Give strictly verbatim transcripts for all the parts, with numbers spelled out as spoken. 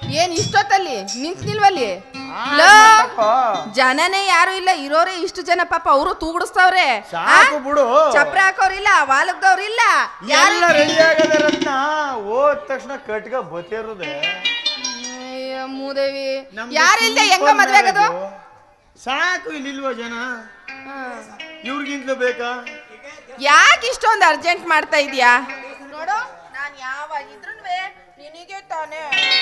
ಏನ್ ಇಷ್ಟೊತ್ತಲ್ಲಿ ನಿಂತ್ ನಿಲ್ವಲ್ಲಿ ಜನನೇ ಯಾರು ಇಲ್ಲ, ಇರೋರೇ ಇಷ್ಟು ಜನ. ಪಾಪ ಅವರು ತೂಗುಡಿಸ್ತಾವ್ರೆ, ಚಪ್ರ ಹಾಕೋರಿಲ್ಲ, ವಾಲಕ್ದವ್ರಿಲ್ಲ, ಎಲ್ಲ ರೆಡಿ ಆಗದೆ ರತ್ನ. ಹೋದ ತಕ್ಷಣ ಕಟ್ಗ ಬತ್ತಿರೋದೆ ಮೂದೇವಿ. ಯಾರಿಲ್ದೆ ಹೆಂಗ ಮದ್ವೆ ಆಗೋದು? ಸಾಕು, ಇಲ್ಲಿಲ್ವ ಜನ? ಇವ್ರಿಗಿಂತಲೂ ಬೇಕಾ? ಯಾಕೆ ಇಷ್ಟೊಂದು ಅರ್ಜೆಂಟ್ ಮಾಡ್ತಾ ಇದೀಯಾ? ನೋಡು, ನಾನು ಯಾವಾಗಿದ್ರು ನಿನಗೆ ತಾನೇ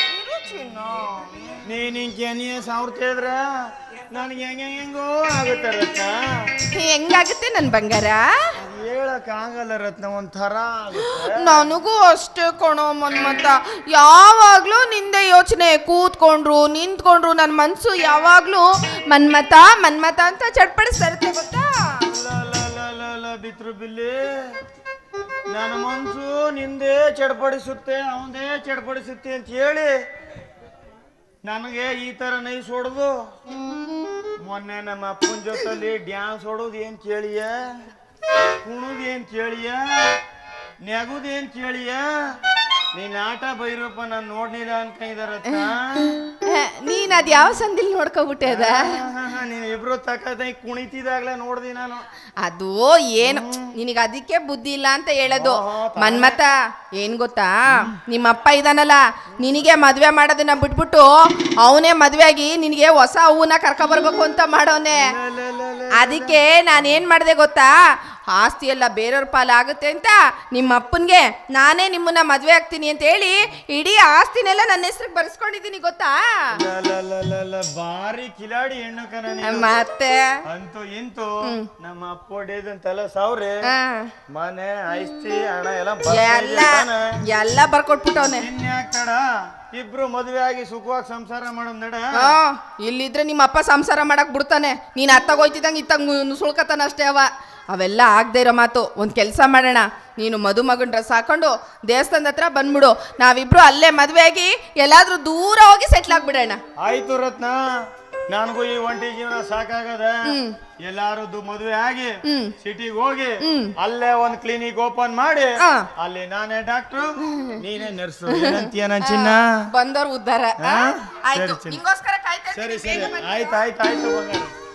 ನೀನ್ ಹಿಂಗೆ ಸಾವಿರ ಕೇಳಿದ್ರ ನನಗೆ ಹೆಂಗ ಹೆಂಗೋ ಆಗುತ್ತೆ ರತ್ನ. ಹೆಂಗಾಗುತ್ತೆ ನನ್ ಬಂಗಾರ? ಹೇಳಕ್ ಆಗಲ್ಲ ರತ್ನ, ಒಂಥರ ನನಗೂ ಅಷ್ಟೇ ಕಣೋ ಮನ್ಮತ. ಯಾವಾಗ್ಲೂ ನಿಂದೆ ಯೋಚನೆ, ಕೂತ್ಕೊಂಡ್ರು ನಿಂತ್ಕೊಂಡ್ರು ನನ್ನ ಮನ್ಸು ಯಾವಾಗ್ಲೂ ಮನ್ಮತ ಮನ್ಮತ ಅಂತ ಚಟ್ಪಡಿಸ್ತಾ ಇರುತ್ತೆ ಗೊತ್ತಾ? ಬಿತ್ರು ಬಿಲ್ಲಿ, ನನ್ನ ಮನ್ಸು ನಿಂದೇ ಚಡ್ಪಡಿಸುತ್ತೆ, ಅವಂದೇ ಚಡ್ಪಡಿಸುತ್ತೆ ಅಂತ ಹೇಳಿ ನನಗೆ ಈ ತರ ನೈಸ್ ಹೊಡೆದು ಮೊನ್ನೆ ನಮ್ಮ ಅಪ್ಪನ ಜೊತೆಲಿ ಡ್ಯಾನ್ಸ್ ಹೊಡೋದು ಏನ್ ಕೇಳಿಯ, ಕುಣುದು ಏನ್ ಕೇಳಿಯ, ನೆಗುದು ಏನ್ ಕೇಳಿಯ. ನೀನ್ ಆಟ ಬೈರಪ್ಪ ನಾನು ನೋಡ್ಲಿಲ್ಲ ಅನ್ಕೊಂಡಿದಾರತ್ತ. ನೀನ್ ಅದ್ ಯಾವ ಸಂದಿಲ್ ನೋಡ್ಕೊಬಿಟ್ಟೆ ಅದ? ನೀನ್ ಇಬ್ರು ತಕ್ಕದ ಕುಣಿತಿದಾಗ್ಲೇ ನೋಡ್ದಿ ನಾನು. ಅದು ಏನು ನಿನಗೆ ಅದಕ್ಕೆ ಬುದ್ಧಿ ಇಲ್ಲ ಅಂತ ಹೇಳೋದು ಮನ್ಮತ. ಏನ್ ಗೊತ್ತಾ, ನಿಮ್ಮಪ್ಪ ಇದಾನಲ್ಲ, ನಿನಗೆ ಮದ್ವೆ ಮಾಡೋದನ್ನ ಬಿಟ್ಬಿಟ್ಟು ಅವನೇ ಮದ್ವೆ ಆಗಿ ನಿನಗೆ ಹೊಸ ಹೂವನ್ನ ಕರ್ಕೊ ಬರ್ಬೇಕು ಅಂತ ಮಾಡೋನೆ. ಅದಕ್ಕೆ ನಾನೇನ್ ಮಾಡಿದೆ ಗೊತ್ತಾ, ಆಸ್ತಿ ಎಲ್ಲ ಬೇರೆಯವ್ರ ಪಾಲ ಆಗುತ್ತೆ ಅಂತ ನಿಮ್ಮ ಅಪ್ಪನ್ಗೆ ನಾನೇ ನಿಮ್ಮನ್ನ ಮದ್ವೆ ಆಗ್ತೀನಿ ಅಂತ ಹೇಳಿ ಇಡೀ ಆಸ್ತಿನೆಲ್ಲ ನನ್ನ ಹೆಸರಿಗೆ ಬರ್ಸ್ಕೊಂಡಿದ್ದೀನಿ ಗೊತ್ತಾ? ಬಾರಿ ಕಿಲಾಡಿ ಹೆಣ್ಣು ಕಣ. ಮತ್ತೆ ಅಂತೂ ಇಂತೂ ನಮ್ಮ ಅಪ್ಪ ಹೊಡೆದಂತೆಲ್ಲ ಸಾವಿರ ಮನೆ ಆಸ್ತಿ ಹಣ ಎಲ್ಲ ಎಲ್ಲ ಬರ್ಕೊಟ್ಬಿಟ್ಟವನೆ. ಇನ್ಯಾಕಡ ಇಬ್ರು ಮದುವೆ ಆಗಿ ಸುಖವಾಗಿ ಸಂಸಾರ ಮಾಡೋದ್ ನಡ. ಇಲ್ಲಿದ್ರೆ ನಿಮ್ಮ ಅಪ್ಪ ಸಂಸಾರ ಮಾಡಕ್ ಬಿಡ್ತಾನೆ, ನೀನ್ ಅತ್ತಾಗೋಯ್ತಿದಂಗ ಇತ್ತಂಗ ಸುಳ್ಕತಾನ ಅಷ್ಟೇ. ಅವ ಅವೆಲ್ಲ ಆಗದೆ ಇರೋ ಮಾತು. ಒಂದು ಕೆಲಸ ಮಾಡೋಣ, ನೀನು ಮದುಮಗನ ಡ್ರೆಸ್ ಹಾಕೊಂಡು ದೇವಸ್ಥಾನದ ಹತ್ರ ಬಂದ್ಬಿಡು, ನಾವಿಬ್ರು ಅಲ್ಲೇ ಮದುವೆ ಆಗಿ ಎಲ್ಲಾದ್ರೂ ದೂರ ಹೋಗಿ ಸೆಟ್ಲ್ ಆಗ್ಬಿಡೋಣ. ಆಯ್ತು ರತ್ನ, ನನಗೂ ಈ ಒಂಟಿ ಜೀವನ ಸಾಕಾಗದ. ಎಲ್ಲಾರು ಮದುವೆ ಆಗಿ ಸಿಟಿಗೆ ಹೋಗಿ ಅಲ್ಲೇ ಒಂದ್ ಕ್ಲಿನಿಕ್ ಓಪನ್ ಮಾಡಿ ಅಲ್ಲಿ ನಾನೇ ಡಾಕ್ಟ್ರು ನೀನೇ ನರ್ಸು ಅಂತೀಯ ಚಿನ್ನ. ಬಂದವ್ರು ಉದ್ದಾರ. ಸರಿ ಸರಿ ಆಯ್ತು ಆಯ್ತು ಆಯ್ತು ಬಂಗಾರ.